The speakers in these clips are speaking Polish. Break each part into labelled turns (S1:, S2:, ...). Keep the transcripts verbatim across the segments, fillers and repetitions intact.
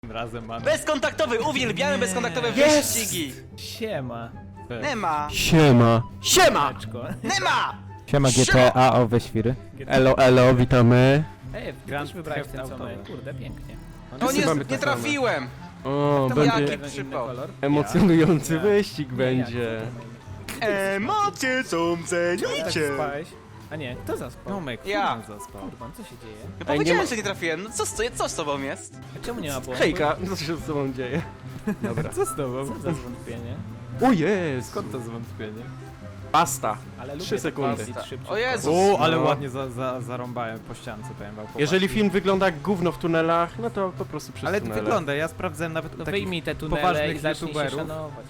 S1: Razem mamy.
S2: Bezkontaktowy, uwielbiamy bezkontaktowe
S3: Yes!
S2: wyścigi!
S1: Siema.
S2: Nie ma!
S3: Siema. Siema!
S1: Beczko.
S2: Nie ma!
S3: Siema G T A, owe świry. Elo, elo, witamy.
S1: Ej,
S4: Grand
S1: też wybrałeś
S4: Theft
S1: ten co
S4: autowe.
S1: my. Kurde, pięknie.
S2: O
S3: Wszyscy
S2: nie,
S3: mamy
S2: nie
S3: te same.
S2: trafiłem!
S3: O,
S2: To
S3: będzie
S2: jaki
S1: Inny
S2: przypał.
S1: kolor?
S3: emocjonujący
S1: Ja.
S3: wyścig
S1: Nie,
S3: będzie.
S2: Emocje są
S1: Jak
S2: cenicie!
S1: tak spałeś? A nie, kto zaspał?
S4: Tomek,
S2: Ja.
S4: Furman zaspał.
S1: Kurwa, co się dzieje?
S2: No
S3: Ej, nie
S2: powiedziałem,
S3: ma-
S2: że nie trafiłem, no co z, co z tobą jest?
S1: A czemu nie ma błędu?
S3: Hejka, co się z tobą dzieje? Dobra.
S4: Co z tobą?
S1: Co za zwątpienie?
S3: O jest!
S4: Skąd to zwątpienie?
S3: Pasta.
S1: Ale lubię
S3: Trzy
S1: tak
S3: sekundy.
S1: jeździć szybciutko.
S2: O Jezus!
S4: O, ale
S3: No.
S4: ładnie za, za, zarąbałem po ściance, powiem wam.
S3: Jeżeli film wygląda jak gówno w tunelach, no to po prostu przez
S4: Ale
S3: tunele.
S4: wygląda, ja sprawdzałem nawet
S1: To
S4: u takich
S1: wyjmij te tunele
S4: poważnych
S1: i zacznij się
S4: youtuberów.
S1: szanować.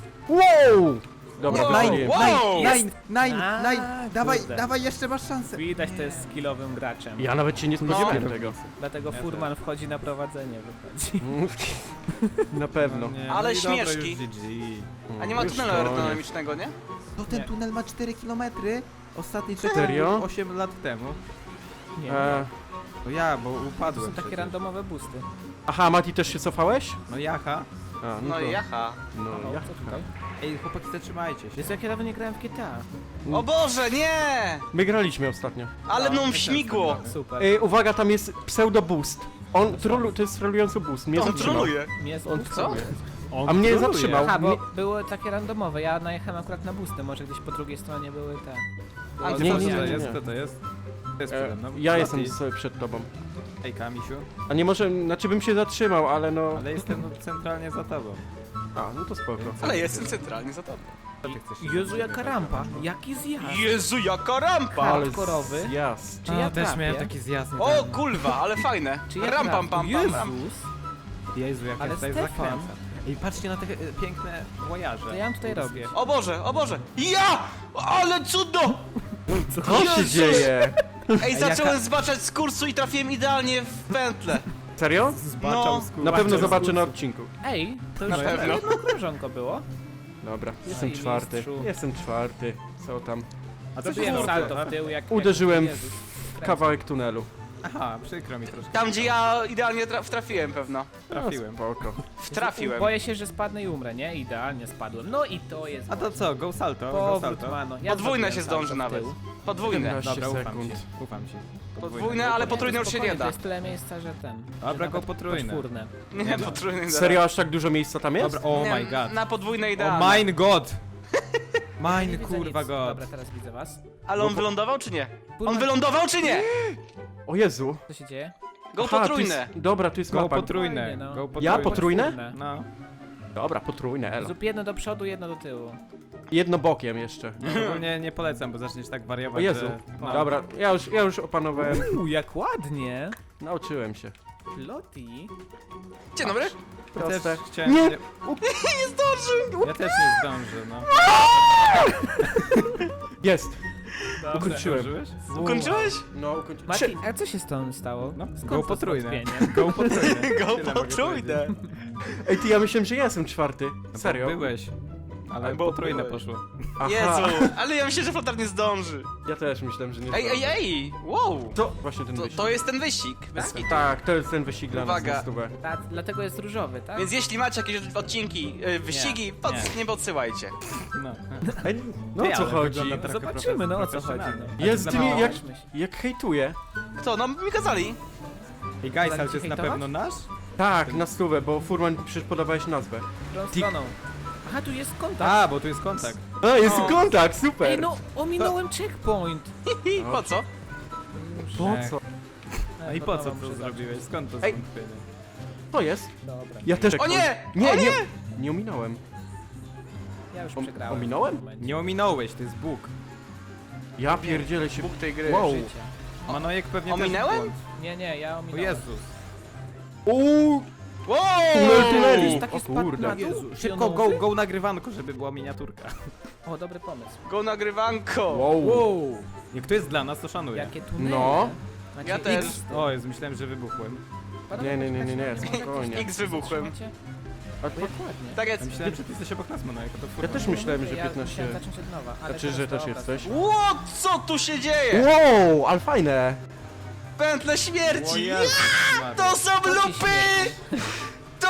S3: Wow! Dobra,
S2: Wow!
S3: wywaliłem.
S2: Wow!
S4: Nine, nine,
S1: A,
S4: nine, dawaj,
S1: kurde.
S4: dawaj, jeszcze masz szansę.
S1: Widać, to jest skillowym graczem.
S3: Ja nawet się nie spodziewałem tego.
S1: Dlatego
S4: Ja
S1: Furman wchodzi na prowadzenie, wychodzi.
S3: Na pewno.
S4: No nie,
S2: Ale
S4: no i dobra,
S2: śmieszki.
S4: już G G.
S2: A nie ma
S3: Już
S2: tunelu
S3: koniec.
S2: aerodynamicznego, nie?
S4: No ten
S1: Nie.
S4: tunel ma cztery kilometry. Ostatni czekał
S3: Serio?
S4: osiem lat temu.
S1: Nie,
S3: E,
S4: To ja, bo
S1: to
S4: upadłem
S1: są takie
S4: przecież.
S1: randomowe boosty.
S3: aha, Mati, też się cofałeś?
S4: No jaha.
S3: A,
S2: No
S3: to-
S2: i jaha.
S3: No,
S1: O,
S3: ja.
S1: co tutaj?
S4: Ej, chłopaki, zatrzymajcie się.
S1: Jest jak ja dawno nie grałem w G T A.
S2: O Boże, nie!
S3: My graliśmy ostatnio.
S2: Ale
S4: No,
S2: mną
S4: my też
S2: śmigło!
S4: tak
S1: Super.
S3: Ej, uwaga, tam jest pseudo boost. On trolu, to jest trolujący boost. Mnie
S2: On
S3: zatrzymał.
S2: troluje!
S1: Mnie
S3: On
S1: boost-
S2: Co?
S3: A mnie
S4: troluje.
S3: zatrzymał.
S1: Aha, bo
S3: Mnie...
S1: były takie randomowe, ja najechałem akurat na boosty, może gdzieś po drugiej stronie były te...
S2: A,
S4: A
S2: nie,
S4: co
S3: nie,
S4: to
S3: nie, nie,
S4: jest?
S3: nie.
S4: Kto to jest? To jest
S3: E,
S4: przede mną.
S3: ja
S4: Mati.
S3: jestem sobie przed tobą.
S4: Ej, Kamisiu.
S3: A nie może, znaczy bym się zatrzymał, ale no...
S4: Ale jestem no, centralnie za tobą.
S3: A, no to spoko.
S2: Ale jestem centralnie za tobą.
S4: Co ty chcesz?
S1: Jezu, jaka rampa, jaki zjazd.
S2: Jezu, jaka rampa!
S3: Ale
S1: hardkorowy.
S3: zjazd.
S1: Czy ja
S4: też
S1: trafię?
S4: miałem taki zjazd.
S2: O kurwa, ale fajne!
S1: Czy ja
S2: Ram
S1: trafię?
S2: pam pam pam ram.
S1: Jezus,
S4: Jezu, jak
S1: Ale
S4: ja tutaj
S1: Stefan.
S4: zakręcam. Ej, patrzcie na te e, piękne łajarze.
S1: to ja ją tutaj robię.
S2: O Boże, o Boże! Ja! Ale cudo!
S3: Co się
S2: Jezus!
S3: dzieje?
S2: Ej,
S4: jaka-
S2: zacząłem zbaczać z kursu i trafiłem idealnie w pętlę.
S3: Serio?
S4: Zbaczał
S2: No.
S4: z góry.
S3: Na pewno
S4: Zbaczał z
S3: zobaczę
S4: góry.
S3: na odcinku.
S1: Ej, to już
S2: Na pewno.
S1: jedno krążonko było.
S3: Dobra,
S1: Jesteś
S3: jestem czwarty.
S1: mistrzu.
S3: Jestem czwarty. Co tam?
S4: A co się
S1: Zrobiłem
S4: stało?
S1: salto w tył jak...
S3: Uderzyłem
S1: jak
S3: w
S1: Jezus.
S3: kawałek tunelu.
S4: Aha, przykro mi troszkę.
S2: Tam, gdzie ja idealnie tra wtrafiłem pewno.
S4: trafiłem.
S3: No, spoko.
S2: Wtrafiłem.
S1: Boję się, że spadnę i umrę, nie? Idealnie spadłem. No i to jest...
S4: A to co, go salto, go
S1: Powrót,
S4: salto.
S1: mano. Ja
S2: Podwójne
S1: zrobiłem
S2: się
S1: salto
S2: zdąży
S1: w
S2: nawet.
S1: tył.
S2: Podwójne.
S3: siedemnaście
S4: Dobra, ufam
S3: sekund.
S4: ci, ufam ci.
S2: Podwójne, ale potrójne już się
S1: Spokojnie,
S2: nie
S1: To
S2: da.
S1: jest tyle miejsca, że ten...
S4: Dobra,
S1: że
S4: go
S1: nawet
S4: potrójne.
S1: Poczwórne.
S2: Nie, potrójne nie da.
S3: Serio, aż tak dużo miejsca tam jest?
S4: Dobra, oh
S2: Nie,
S4: my god.
S2: Na podwójne
S4: Oh
S2: idealne.
S4: mine god!
S1: Nie
S4: Mine
S1: widzę
S4: kurwa
S1: nic.
S4: god.
S1: Dobra, teraz widzę was.
S2: Ale on wylądował czy nie? On
S1: Purman-
S2: wylądował czy nie?
S3: O Jezu.
S1: Co się dzieje?
S2: Go
S3: Aha, tu
S2: potrójne.
S3: jest, dobra, tu jest
S4: Go
S3: mapa.
S4: potrójne,
S1: Fajnie, no.
S4: go
S3: Ja
S4: potrójne.
S3: potrójne?
S4: No.
S3: Dobra, potrójne, elo.
S1: Zrób jedno do przodu, jedno do tyłu.
S3: Jedno bokiem jeszcze.
S4: Ogólnie nie polecam, bo zaczniesz tak wariować,
S3: O Jezu.
S4: że... No.
S3: Dobra, ja już, ja już opanowałem.
S1: Uuu, jak ładnie!
S3: Nauczyłem się.
S1: Loti.
S2: Dzień dobry.
S4: Ja
S3: Proste.
S4: też chciałem...
S3: Nie.
S4: Nie zdążył! Ja też nie zdążę, no.
S3: Jest.
S1: Dobra.
S3: Ukończyłem.
S4: Zdążyłeś?
S2: Ukończyłeś?
S3: No, ukończyłem.
S1: Mati, a co się z tą stało?
S4: No,
S1: Skąd
S4: go
S1: to
S4: potrójne.
S1: zwątpienie?
S4: Go potrójne.
S2: Go
S4: Tyle mogę
S2: potrójne.
S3: Ej, ty, ja myślałem, że ja jestem czwarty.
S4: No,
S3: Serio?
S4: Byłeś. Ale
S2: Bo
S4: potrójne
S2: byłeś.
S4: poszło.
S3: Aha.
S2: Jezu, ale ja myślę, że flotar nie zdąży.
S3: Ja też myślałem, że nie
S2: Ej, ej,
S3: zdążę.
S2: ej! Wow!
S3: To właśnie ten
S2: To,
S3: wyścig.
S2: to jest ten wyścig. Bez kitu.
S3: Tak, to jest ten wyścig dla nas
S2: Uwaga.
S3: na stówę.
S1: Ta, dlatego jest różowy, tak?
S2: Więc jeśli macie jakieś odcinki, y, wyścigi, pod,
S4: nie.
S2: nie podsyłajcie.
S4: No.
S3: Ej, no
S4: Ej,
S3: o co
S4: ale
S3: chodzi?
S4: wygląda trochę
S1: Zobaczymy, no o co
S4: profesjonalnie.
S1: chodzi, no.
S3: Jest
S4: za
S3: ty mi
S4: mało.
S3: jak,
S1: Myśl.
S3: jak hejtuje.
S2: Kto? No mi kazali.
S4: Ej, guys, ale to
S1: Chcecie
S4: jest na
S1: hejtować?
S4: pewno nasz?
S3: Tak, na stówę, bo Furman przecież podawałeś nazwę.
S1: Którą
S3: Tik-
S1: stroną? Aha, tu jest kontakt.
S4: A, bo tu jest kontakt.
S3: A, jest
S2: O.
S3: kontakt, super!
S1: Ej, no, ominąłem checkpoint.
S2: I po co?
S3: Po
S4: Ech.
S3: co?
S4: A i po co to zrobiłeś? Skąd to
S3: Ej.
S4: zwątpienie?
S3: To jest?
S1: Dobra,
S3: Ja też...
S2: O nie!
S3: Nie,
S2: O
S3: nie!
S2: nie!
S3: Nie ominąłem.
S1: ja już
S3: Om-
S1: przegrałem.
S3: ominąłem?
S1: w tym momencie.
S4: Nie ominąłeś, to jest Bóg.
S3: Ja pierdzielę się...
S2: Bóg tej gry.
S3: Wow.
S1: Życia.
S4: Manojek pewnie
S2: Ominąłem?
S4: też błąd.
S1: Nie, nie, ja
S4: O
S1: ominąłem.
S4: Jezus.
S3: Uuu!
S2: Wow!
S3: Tunel tuneli!
S1: Taki
S3: O
S1: spadł
S3: kurde.
S1: na dół.
S4: Szybko, go, go nagrywanko, żeby była miniaturka.
S1: O, dobry pomysł.
S2: Go nagrywanko!
S3: Wow.
S4: Wow. Jak to jest dla nas, to szanuję.
S1: Jakie tunele.
S3: No.
S1: Macie
S2: Ja też.
S1: X.
S4: O, Jezu, myślałem, że wybuchłem.
S3: Nie, nie, nie, nie, nie, spokojnie.
S2: X wybuchłem.
S1: Trzymacie?
S3: A
S1: To
S3: to...
S1: jak ładnie.
S2: Tak
S4: Ja
S2: jest.
S4: myślałem, że ty jesteś obok nas, Manojek, to
S3: Ja
S4: furman.
S3: też myślałem, że
S1: Ja
S3: piętnaście...
S1: musiałem zacząć od nowa, ale
S3: Znaczy, że
S1: teraz
S3: też
S1: dobra,
S3: jesteś?
S2: Ło, co tu się dzieje?
S3: Wow, ale fajne!
S2: Pętle
S4: O
S2: śmierci!
S4: Jezus Maria.
S2: To są
S1: To ci
S2: lupy!
S1: śmierci.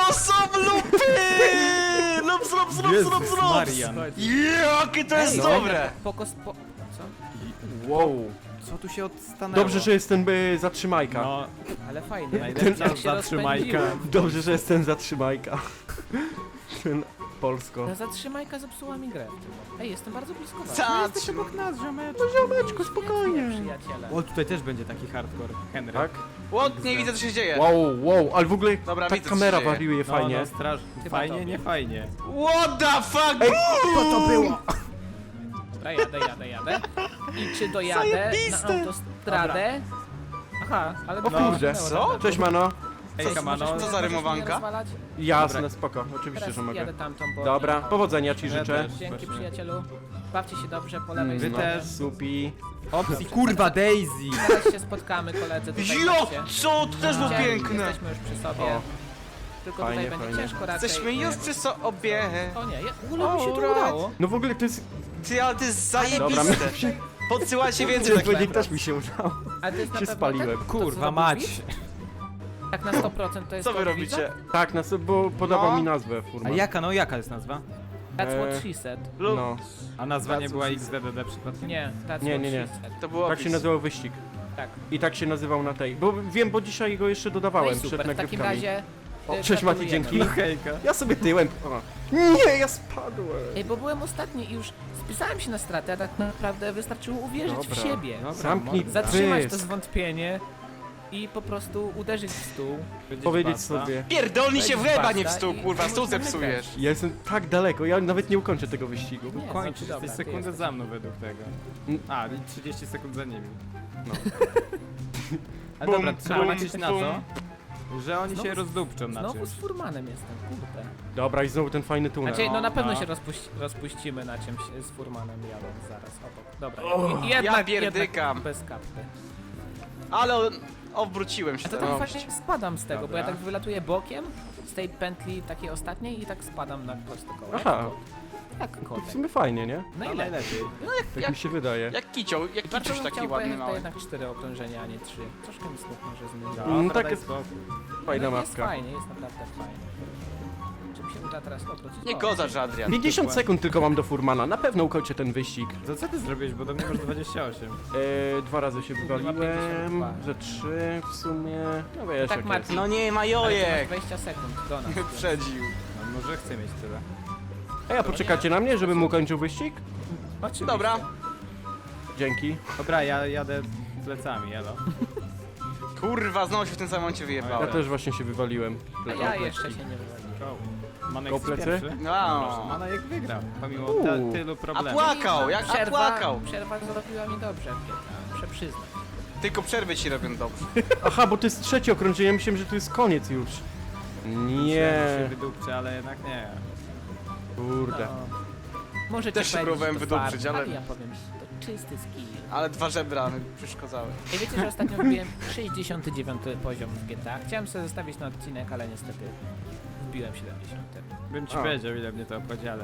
S2: to są lupy! Lups, lups, lups,
S4: Jezus
S2: lups, lups!
S4: Marian.
S2: Jakie to jest
S1: Ej,
S2: dobre!
S1: Pokos, po... Co?
S3: Wow.
S4: Co tu się odstanęło?
S3: Dobrze, że jestem y, zatrzymajka.
S4: No,
S1: Ale fajnie.
S4: najlepsza
S1: Jak się
S4: zatrzymajka.
S1: rozpędziłem.
S3: Dobrze, że jestem zatrzymajka. Ten Polsko.
S1: Ta zatrzymajka zepsuła mi grę. Ej, jestem bardzo blisko was.
S2: Zatrzym...
S4: nas, ziomeczku.
S3: Ziomeczku, spokojnie.
S1: Przyjaciele.
S4: O, tutaj też będzie taki hardcore. Henry.
S3: Tak?
S2: Łot, nie widzę co się dzieje.
S3: Wow, wow, ale w ogóle
S2: Dobra,
S3: ta
S2: widzę, co
S3: kamera
S2: się dzieje.
S3: wariuje
S4: No,
S3: fajnie.
S4: no, straż...
S1: Chyba
S4: Fajnie,
S1: tobie.
S4: nie fajnie.
S2: What the fuck?
S3: Ej,
S4: Co to było?
S1: Dobra, jadę, jadę, jadę. I czy dojadę
S2: Zajebiste.
S1: na autostradę? Aha, ale
S3: O
S1: to
S3: kurde.
S2: Co?
S3: Cześć, mano.
S4: Ej,
S1: Możesz-
S4: Kamano.
S1: możesz
S2: Co
S1: mnie-
S2: za
S1: możesz mnie
S2: rymowanka?
S1: rozwalać?
S3: Jasne,
S4: Dobra.
S3: spoko. Oczywiście,
S1: Teraz
S3: że mogę.
S1: jadę tamtą, bo...
S3: Dobra,
S1: nie-
S3: powodzenia ci
S4: Ja
S3: życzę.
S4: też.
S1: Dzięki,
S4: Właśnie.
S1: przyjacielu. Bawcie się dobrze po lewej
S3: Mm,
S4: Wy
S1: stronie.
S4: też.
S3: Supi.
S4: Opcji, kurwa, Daisy!
S1: Zaraz się spotkamy, koledzy, tutaj
S2: Jo,
S1: chodźcie.
S2: co? To też było
S1: Gdzie?
S2: piękne.
S1: Jesteśmy już przy sobie.
S3: O.
S1: Tylko
S3: Fajnie,
S1: tutaj będzie
S3: fajnie.
S1: ciężko raczej.
S2: Jesteśmy już przy sobie.
S1: O nie, ja- w ogóle mi się to
S2: Alright.
S1: udało.
S3: No w ogóle to jest...
S2: Ty, ale to jest
S3: Dobra,
S2: zajebiste. Podsyłajcie więcej
S3: Powiedzieć,
S2: takich.
S3: też mi się udało.
S1: Ale to jest na
S3: Się
S1: pewno
S3: spaliłem.
S1: ten, to, co
S4: Kurwa
S1: zrobił
S4: mać!
S1: Wit? Tak na sto procent to jest
S2: Co wy
S1: to od
S2: robicie?
S1: Wita?
S3: Tak, nas, bo podawał
S2: No.
S3: mi nazwę
S4: A
S3: Furman.
S4: jaka, no jaka jest nazwa?
S1: That's
S3: Eee,
S1: what she said.
S2: Lub
S3: No,
S4: A nazwa nie
S2: Bardzo
S4: była
S2: wszystko.
S4: X D D D przypadkiem?
S1: Nie, that's
S3: Nie,
S1: what
S3: nie, nie.
S1: she said.
S2: to było
S3: tak się
S2: opis.
S3: nazywał wyścig.
S1: Tak.
S3: I tak się nazywał na tej. Bo wiem, bo dzisiaj go jeszcze
S1: No
S3: dodawałem
S1: i
S3: przed
S1: super, w takim
S3: nagrywkami.
S1: razie...
S3: O,
S1: y,
S3: cześć, Mati,
S1: gratulujemy.
S3: dzięki.
S4: No hejka.
S3: Ja sobie tyłem. O. Nie, ja spadłem.
S1: Ej, bo byłem ostatni i już spisałem się na stratę, a tak naprawdę wystarczyło uwierzyć w
S3: Dobra.
S1: siebie.
S4: Dobra,
S3: Zamknij
S4: morda.
S1: Zatrzymać to
S3: pysk.
S1: zwątpienie i po prostu uderzyć w stół.
S3: Powiedzieć
S4: basta.
S3: sobie.
S2: Pierdolnij się w
S1: Weź
S2: łeb, a nie w
S1: basta
S2: stół,
S1: i-
S2: kurwa,
S1: i
S2: stół
S1: możemy
S2: zepsujesz.
S3: Ja jestem tak daleko, ja nawet nie ukończę tego wyścigu.
S1: Nie,
S4: Kończysz,
S1: znaczy, dobra,
S4: jesteś
S1: ty
S4: sekundę
S1: jesteś.
S4: za mną według tego.
S3: Mm.
S4: A, i trzydzieści sekund za nimi.
S3: No.
S4: Ale
S2: Bum,
S4: dobra, trzeba
S2: bum,
S4: liczyć na
S2: bum.
S4: to, że oni
S1: Znowu
S4: się
S1: z-
S4: rozdupczą na
S1: Znowu
S4: czymś.
S1: z Furmanem jestem, kurde.
S3: Dobra, i znowu ten fajny tunel.
S1: Znaczy, no na
S4: No,
S1: pewno
S4: no.
S1: się rozpuści, rozpuścimy na czymś z Furmanem jadąc zaraz obok. Dobra,
S3: O,
S1: i- jednak,
S2: pierdykam.
S1: jednak bez kapty.
S2: Ale on- obróciłem się.
S1: A to
S2: no.
S1: tak fajnie spadam z tego, bo ja
S4: Dobra.
S1: tak wylatuję bokiem z tej pętli takiej ostatniej i tak spadam na prosto koło.
S3: Aha.
S1: Tak,
S3: To w
S1: kotek.
S3: sumie fajnie, nie?
S1: No
S4: No
S1: i lepiej.
S4: najlepiej.
S3: Tak
S2: Jak-
S3: mi się wydaje.
S2: Jak kicioł, jak
S1: Bardzo
S2: kiciuś
S1: bym
S2: taki
S1: chciał
S2: ładny
S1: pojechać to
S2: mały.
S1: jednak cztery okrążenia, a nie trzy. Troszkę mi smutno, że zmieniłem.
S4: Dobra,
S3: Mm, tak
S4: daj
S3: jest-
S4: spokój.
S3: Fajna
S1: No jest
S3: mapka.
S1: fajnie, jest naprawdę fajnie. Czy mi się uda teraz obrócić?
S2: Nie
S1: O,
S2: gozasz, Adrian.
S3: pięćdziesiąt sekund tylko mam do Furmana, na pewno ukończę ten wyścig.
S4: To co ty zrobiłeś, bo do mnie masz dwadzieścia osiem.
S3: E, dwa razy się wywaliłem,
S1: pięćdziesiąt dwa.
S3: że trzy w sumie. No wiesz,
S1: Tak,
S3: jak
S1: Marcin.
S3: jest.
S2: No nie,
S1: Ale ty masz
S2: majojek!
S1: dwadzieścia sekund do nas.
S2: Wyprzedził.
S4: No może chcę mieć tyle.
S3: A ja poczekacie na mnie, żebym ukończył wyścig?
S1: Oczywiście.
S2: Dobra.
S3: Dzięki.
S4: Dobra, ja jadę plecami, elo.
S2: Kurwa, znowu się w tym samym momencie
S3: Ja
S2: wyjebałem.
S3: też właśnie się wywaliłem.
S1: A ja jeszcze się nie wywaliłem.
S4: Go. Manek
S3: Go
S4: jest
S3: plecy?
S4: pierwszy.
S2: No.
S4: Proszę, Manek wygrał, pomimo
S3: Uuu.
S4: ta, tylu
S2: A
S4: problemów.
S2: płakał, jak a
S1: Przerwa,
S2: płakał.
S1: przerwa zrobiła mi dobrze w G T A, muszę przyznać.
S2: Tylko przerwy ci robią dobrze.
S3: Aha, bo to jest trzecie okrążenie, ja myślałem, że to jest koniec już.
S4: Myślałem, że
S3: Nie,
S4: się wydupczy, ale jednak nie.
S3: kurde.
S1: No. Możecie
S2: Też się
S1: powiedzieć,
S2: próbowałem
S1: że to
S2: wydupczyć,
S1: fart,
S2: ale-
S1: ja powiem, że to czysty skill.
S2: Ale dwa żebra mi przeszkodzały.
S1: I wiecie, że ostatnio wbiłem sześćdziesiąty dziewiąty poziom w G T A. Chciałem sobie zostawić na odcinek, ale niestety wbiłem siedemdziesiąty.
S4: Bym ci
S3: A.
S4: powiedział, ile mnie to obchodzi, ale...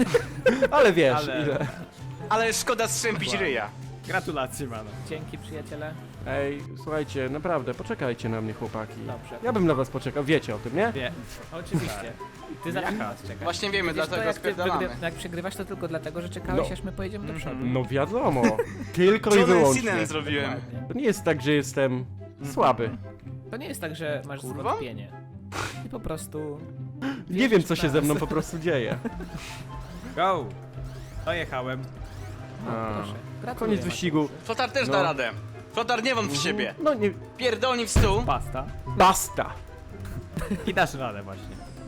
S3: Ale wiesz,
S4: Ale-
S3: ile.
S2: Ale szkoda strzępić
S4: Dokładnie.
S2: ryja.
S4: Gratulacje, mano.
S1: Dzięki, przyjaciele.
S3: Ej, słuchajcie, naprawdę, poczekajcie na mnie, chłopaki.
S1: Dobrze.
S3: Ja bym na was poczekał, wiecie o tym, nie?
S4: Wie.
S1: Oczywiście. Ty zawsze
S4: Jaka?
S1: nas czekasz.
S2: Właśnie wiemy,
S1: Widzisz, to
S2: dlatego
S1: jak, ty
S2: spierdalamy.
S1: wygry- jak przegrywasz, to tylko dlatego, że czekałeś,
S3: No.
S1: aż my pojedziemy do przodu.
S3: No wiadomo, tylko i
S2: John
S3: wyłącznie.
S2: Cena zrobiłem.
S1: Dokładnie.
S3: To nie jest tak, że jestem słaby.
S1: To nie jest tak, że masz
S2: Kurwa?
S1: zwątpienie. I po prostu...
S3: Nie wiem, co się ze mną po prostu dzieje.
S4: Go! Dojechałem.
S1: No,
S3: A.
S1: proszę. Gratuluję,
S3: Koniec wyścigu.
S1: Mateuszu.
S2: Flotar też
S3: No.
S2: da radę. Flotar nie wątp w siebie.
S3: No nie,
S2: Pierdolnij w stół.
S4: Pasta.
S3: basta.
S4: I dasz radę właśnie.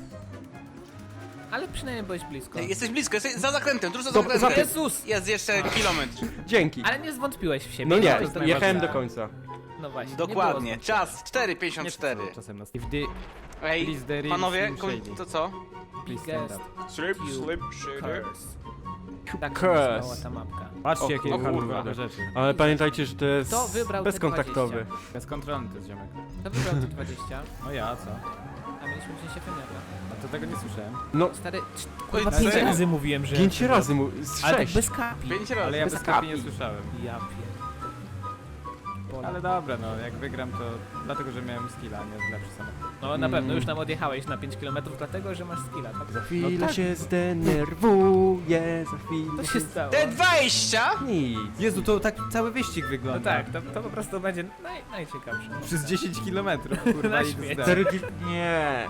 S1: Ale przynajmniej byłeś blisko.
S2: Ej, Jesteś blisko, jesteś za zakrętem, tuż za
S3: Dob-
S2: zakrętem.
S3: za-
S1: Jezus!
S2: Jest jeszcze kilometr.
S3: Dzięki.
S1: Ale nie zwątpiłeś w siebie.
S3: No nie,
S1: to jest
S3: jechałem do
S1: najważniejsze.
S3: końca.
S1: No właśnie.
S2: Dokładnie.
S1: nie było
S2: Czas cztery pięćdziesiąt cztery.
S4: Czasem nas... If the...
S2: Ej,
S4: Please, there is
S2: panowie,
S4: slim
S2: koń-
S4: shady.
S2: to co?
S4: Please
S1: Biggest
S4: stand up.
S2: Slip, slip,
S1: curse. Tak się
S3: Curse.
S1: nazywała ta mapka.
S4: Patrzcie,
S3: O
S4: jakie
S3: kurwa.
S4: hardcore rzeczy.
S3: Ale pamiętajcie, że to jest
S1: Kto wybrał te
S3: bezkontaktowy.
S1: dwadzieścia?
S4: Bezkontrolny to jest ziomek.
S1: To wybrał te dwadzieścia,
S4: No ja, co?
S1: a mieliśmy wziąć się wymiarę.
S4: A to tego nie słyszałem.
S3: No,
S1: Stary, cz-
S2: Oj,
S1: kurwa,
S2: serio?
S1: pięć razy mówiłem, że...
S3: pięć razy mu, z
S1: Ale tak
S3: sześć.
S1: bez kapi.
S2: Pięć razy.
S4: Ale ja
S3: bez
S4: bez kapi nie
S3: kapi.
S4: słyszałem.
S1: Ja pierdolę.
S4: Ale dobra, no jak wygram to dlatego, że miałem skilla, a nie lepszy samochód.
S1: No na pewno już nam odjechałeś na pięć kilometrów, dlatego że masz skilla, tak?
S3: Za chwilę
S4: No tak.
S3: się zdenerwuję, za chwilę
S1: To się stało.
S2: Te dwadzieścia?
S3: Nic.
S4: Jezu, to tak cały wyścig
S1: No
S4: wygląda.
S1: tak, to, to po prostu będzie naj, najciekawsze.
S4: Przez dziesięć kilometrów, kurwa,
S1: Na
S4: i
S1: śmieci.
S4: zda.
S3: Cztery ki- Nie.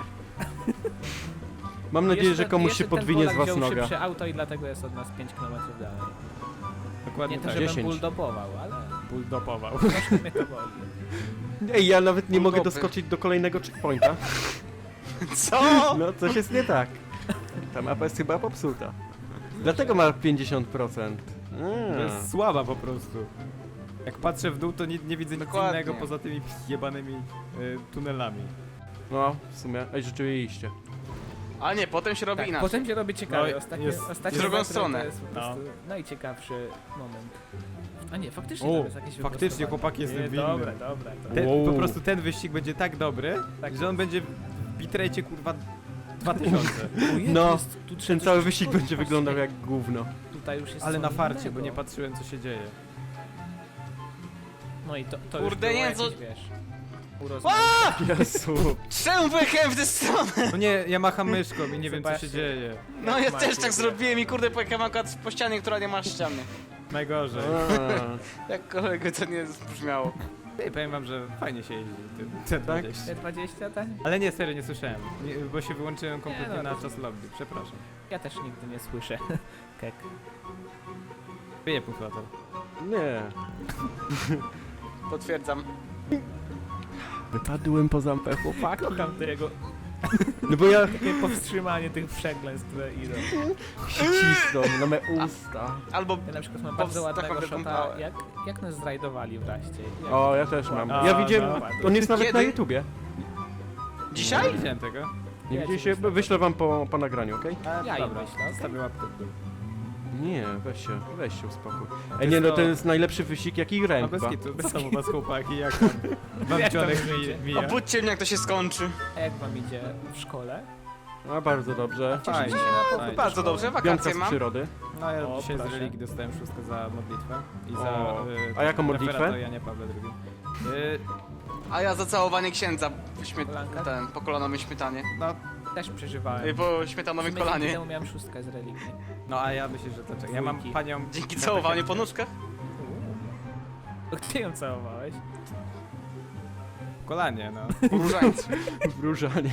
S3: Mam nadzieję,
S1: Jeszcze-
S3: że komuś
S1: jeszcze
S3: się
S1: ten
S3: podwinie z
S1: Polak
S3: was
S1: wziął
S3: noga.
S1: szybsze auto i dlatego jest od nas pięć kilometrów dalej.
S4: Dokładnie
S1: Nie to,
S4: tak.
S1: żebym
S3: dziesięć.
S1: bulldopował, ale
S4: Bulldopował.
S1: troszkę mnie to boli.
S3: Ej, ja nawet nie mogę
S2: Bulldoby.
S3: doskoczyć do kolejnego checkpointa.
S2: Co?
S3: No, coś jest nie tak. Ta mapa jest chyba popsuta. Dlatego ma pięćdziesiąt procent.
S4: To
S3: Mm.
S4: jest słaba po prostu. Jak patrzę w dół, to nie, nie widzę nic
S2: Dokładnie.
S4: innego poza tymi jebanymi y, tunelami.
S3: No, w sumie. Ej, rzeczywiście.
S2: A nie, potem się robi
S1: Tak,
S2: inaczej.
S1: potem się robi ciekawe.
S4: No,
S1: Ostatnie,
S4: jest-
S1: ostatnie
S2: w drugą
S1: metry
S2: stronę.
S1: To jest po prostu najciekawszy moment. A nie, faktycznie
S4: O,
S1: tam jest jakieś
S4: faktycznie,
S1: wyprostowanie.
S4: chłopak jest
S1: Nie,
S4: winny.
S1: Dobra, dobra. To...
S4: Ten,
S3: Wow.
S4: Po prostu ten wyścig będzie tak dobry,
S1: Tak
S4: że on będzie w bitrate kurwa dwa tysiące.
S1: Ojej,
S3: No,
S1: jest, tu trzeba
S3: Ten
S1: coś
S3: cały
S1: jeszcze
S3: wyścig
S1: powiedzieć.
S3: będzie wyglądał jak gówno.
S1: Tutaj już jest
S4: Ale
S1: co
S4: na farcie,
S1: innego.
S4: bo nie patrzyłem co się dzieje.
S1: No i to, to
S2: Kurde,
S1: już było
S2: nie,
S1: jakieś,
S2: co-
S1: wiesz... urozmaicenie.
S3: Jezu.
S2: Czemu pojechałem w tę stronę?
S4: No nie, ja macham myszką i nie wiem co się
S1: Zobaczcie.
S4: dzieje.
S2: No ja
S1: Macie,
S2: też tak
S1: wie.
S2: zrobiłem i kurde pojechałem akurat po ścianie, która nie ma ściany.
S4: Najgorzej.
S3: A,
S2: Jak kolego to nie brzmiało.
S4: Ej, powiem wam, że fajnie się jeździ tym C dwadzieścia.
S1: Te dwadzieścia, tak?
S4: Ale nie, serio, nie słyszałem, nie, bo się wyłączyłem kompletnie
S1: Nie, no,
S4: na
S1: to-
S4: czas lobby, przepraszam.
S1: Ja też nigdy nie słyszę. Kek.
S4: Wyje punktator.
S3: nie.
S2: Potwierdzam.
S3: Wypadłem poza ampę chłopaka.
S1: Kocham tego,
S3: No bo ja
S1: takie powstrzymanie tych przekleństw, które idą.
S3: się cisną na me usta.
S2: Albo
S1: Ja na przykład mam
S2: Powst-
S1: bardzo ładnego
S2: taką
S1: shota,
S2: wykąpałem.
S1: jak, jak nas zrajdowali wreszcie. Jak...
S3: O, ja też mam.
S4: A,
S3: Ja widziałem,
S1: no.
S3: on jest nawet
S2: Kiedy?
S3: na YouTubie.
S2: dzisiaj?
S4: Nie widziałem tego.
S3: Nie
S1: Ja
S3: widzicie
S1: ci
S3: się?
S1: wyślę.
S3: Wyślę wam po, po nagraniu, okej?
S4: A,
S1: Ja im
S4: dobra,
S1: wyślę, okej?
S4: stawię łapkę w dół.
S3: Nie, weź się, weź się uspokój.
S4: To
S3: Ej, nie no,
S4: jest
S3: to
S4: to-
S3: jest najlepszy wyścig, jaki grałem
S4: A bez
S3: chyba.
S4: kitu, co tam u was chłopaki, jak tam wam
S1: Jak tam
S4: dzionek
S1: idzie?
S4: mi- mija?
S2: Obudźcie mnie jak to się skończy.
S1: A jak wam idzie w szkole?
S3: A bardzo dobrze.
S1: Cieszycie
S4: Fajnie,
S1: się na powrót
S4: fajnie.
S1: do
S2: Bardzo
S1: szkoły?
S2: dobrze,
S3: Piątka
S2: wakacje
S3: z
S2: mam.
S3: przyrody.
S4: No ja
S1: O,
S4: dzisiaj z
S1: proszę.
S4: religii dostałem szóstkę za modlitwę i za...
S3: O,
S4: y,
S3: a jaką modlitwę?
S4: referat o Janie Pawle drugi. Y,
S2: A ja za całowanie księdza w śmie...
S1: Kolanka?
S2: ten, po kolanowym śmietanie.
S4: no,
S1: Też przeżywałem.
S2: Y, Po
S1: W
S2: śmietanowym
S1: sumie dzięki
S2: kolanie.
S1: temu miałem szóstkę z religii.
S4: no a ja myślę, że to czekaj. Ja mam
S1: Dwójki.
S4: panią...
S2: Dzięki
S4: na
S2: całowaniu
S4: takie-
S2: po nóżkach.
S1: To Gdzie ją całowałeś?
S4: w kolanie, no.
S2: Po różańcu.
S3: Wróżanie.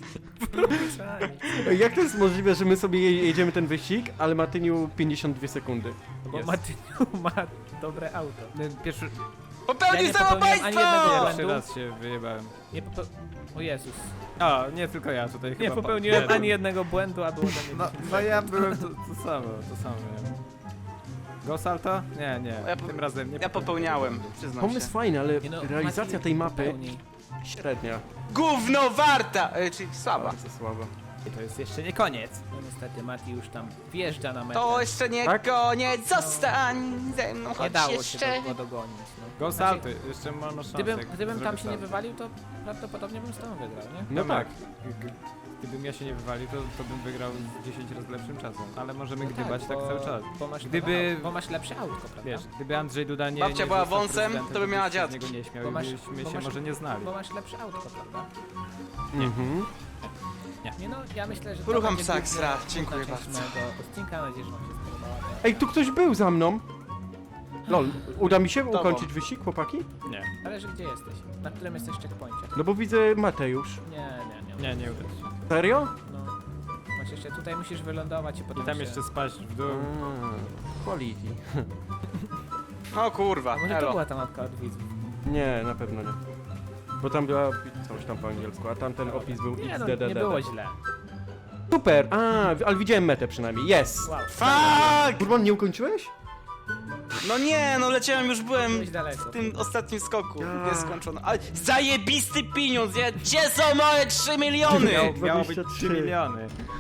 S3: Ej, jak to jest możliwe, że my sobie je- jedziemy ten wyścig, ale Matyniu pięćdziesiąt dwie sekundy?
S1: Bo
S4: Jest.
S1: Matyniu ma dobre auto.
S4: Y, Pierwszy,
S1: Ja
S2: Popełnił
S1: nie popełniłem ani jednego
S2: samobójstwo!
S1: błędu.
S4: pierwszy raz się wyjebałem.
S1: Nie pope... O Jezus.
S4: O, nie tylko ja tutaj chyba...
S1: Nie
S4: pa-
S1: popełniłem
S4: jeden.
S1: ani jednego błędu, a było do mnie
S4: No,
S1: dziesięć
S4: no ja
S1: sekund.
S4: byłem to, to samo, to samo miałem. Go salto? Nie, nie,
S2: Ja po-
S4: tym razem nie
S2: Ja popełniałem, przyznam
S3: Pomysł
S2: się.
S3: fajny, ale
S1: Nie no,
S3: realizacja
S1: Maciej,
S3: tej mapy
S1: pełni.
S3: średnia.
S2: Gówno warta! Y, czyli słaba.
S3: Bardzo słaba.
S4: I to jest jeszcze nie koniec.
S1: No niestety Mati już tam wjeżdża na metę.
S2: To jeszcze nie
S3: Tak?
S2: koniec, zostań ze mną,
S1: Nie
S2: chodź
S1: dało się
S2: jeszcze.
S1: go dogonić. No.
S4: Go
S1: Znaczy,
S4: salto, jeszcze można szansę.
S1: Gdybym,
S4: jak
S1: gdybym tam
S4: zrobię
S1: się nie
S4: salto.
S1: wywalił, to prawdopodobnie bym z tobą wygrał, nie?
S3: No
S4: No
S3: tak.
S4: tak. G- g- Gdybym ja się nie wywalił, to, to bym wygrał z dziesięć razy lepszym czasem. Ale możemy
S1: No
S4: gdybać tak,
S1: bo,
S4: cały czas.
S1: Bo masz,
S4: Gdyby-
S1: Gdyby... auto, bo masz lepsze autko, prawda?
S4: Wiesz, gdyby Andrzej Duda nie,
S2: Babcia
S4: nie
S2: była
S4: został
S2: wąsem,
S4: prezydentem,
S2: to by miała
S4: byś się z
S2: dziadki.
S4: niego nie śmiał
S1: Bo
S4: i
S1: masz-
S4: byśmy
S1: bo
S4: się
S1: masz-
S4: może nie znali.
S1: Bo masz lepsze autko, prawda?
S3: Mhm.
S1: Nie no, ja myślę, że... to
S2: Rucham
S1: będzie
S2: psak,
S1: główna-
S2: sra.
S1: główna
S2: Dziękuję
S1: część
S2: bardzo.
S1: mojego odcinka, mam nadzieję, że wam się spodobała.
S3: Ej, tu ktoś był za mną. Lol, uda mi się
S2: Tobą.
S3: ukończyć wyścig, chłopaki?
S4: Nie,
S1: Zależy gdzie jesteś, na którym jesteś checkpoincie.
S3: No bo widzę Matę już.
S1: Nie, nie, nie.
S4: nie, nie uda ci się.
S3: Serio?
S1: No. Masz jeszcze, tutaj musisz wylądować i potem
S4: I tam
S1: się...
S4: jeszcze spaść w dół.
S3: A, quality.
S2: O kurwa,
S1: A może to
S2: elo.
S1: była ta mapka od widzów?
S3: Nie, na pewno nie. Bo tam była coś tam po angielsku, a tamten opis był
S1: Nie no,
S3: X D D D.
S1: nie było źle.
S3: Super! A, ale widziałem metę przynajmniej. Yes!
S1: Wow,
S2: Fuck!
S3: Kurban, nie ukończyłeś?
S2: No nie, no leciałem, już byłem
S1: byłeś daleko.
S2: w tym ostatnim skoku,
S3: Ja.
S2: nieskończono. Ale zajebisty pieniądz, ja, gdzie są moje trzy miliony?
S4: Miało, miało być
S3: dwadzieścia trzy.
S4: trzy miliony.